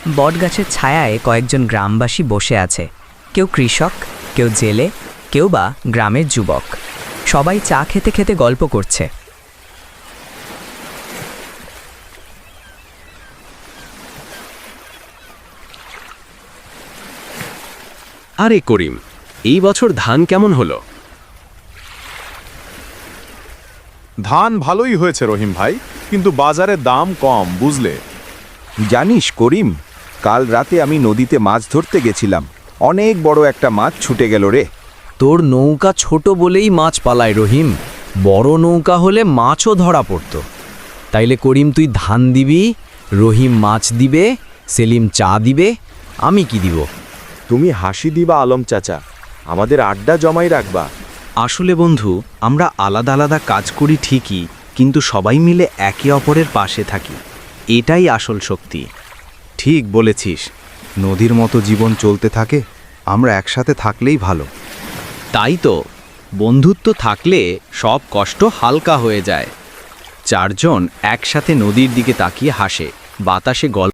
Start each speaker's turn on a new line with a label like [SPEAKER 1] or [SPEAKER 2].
[SPEAKER 1] বটগাছের ছায়ায় কয়েকজন গ্রামবাসী বসে আছে। কেউ কৃষক, কেউ জেলে, কেউ বা গ্রামের যুবক। সবাই চা খেতে খেতে গল্প করছে।
[SPEAKER 2] আরে করিম, এই বছর ধান কেমন হলো?
[SPEAKER 3] ধান ভালোই হয়েছে রহিম ভাই, কিন্তু বাজারে দাম কম, বুঝলে?
[SPEAKER 4] জানিস করিম, কাল রাতে আমি নদীতে মাছ ধরতে গেছিলাম। অনেক বড় একটা মাছ ছুটে গেল রে।
[SPEAKER 5] তোর নৌকা ছোট বলেই মাছ পালায় রহিম, বড় নৌকা হলে মাছও ধরা পড়ত। তাইলে করিম তুই ধান দিবি, রহিম মাছ দিবে, সেলিম চা দিবে, আমি কি দিব?
[SPEAKER 4] তুমি হাসি দিবা আলম চাচা, আমাদের আড্ডা জমাই রাখবা।
[SPEAKER 6] আসলে বন্ধু, আমরা আলাদা আলাদা কাজ করি ঠিকই, কিন্তু সবাই মিলে একে অপরের পাশে থাকি। এটাই আসল শক্তি।
[SPEAKER 4] ঠিক বলেছিস, নদীর মতো জীবন চলতে থাকে, আমরা একসাথে থাকলেই ভালো।
[SPEAKER 6] তাই তো, বন্ধুত্ব থাকলে সব কষ্ট হালকা হয়ে যায়। চারজন একসাথে নদীর দিকে তাকিয়ে হাসে, বাতাসে গল্প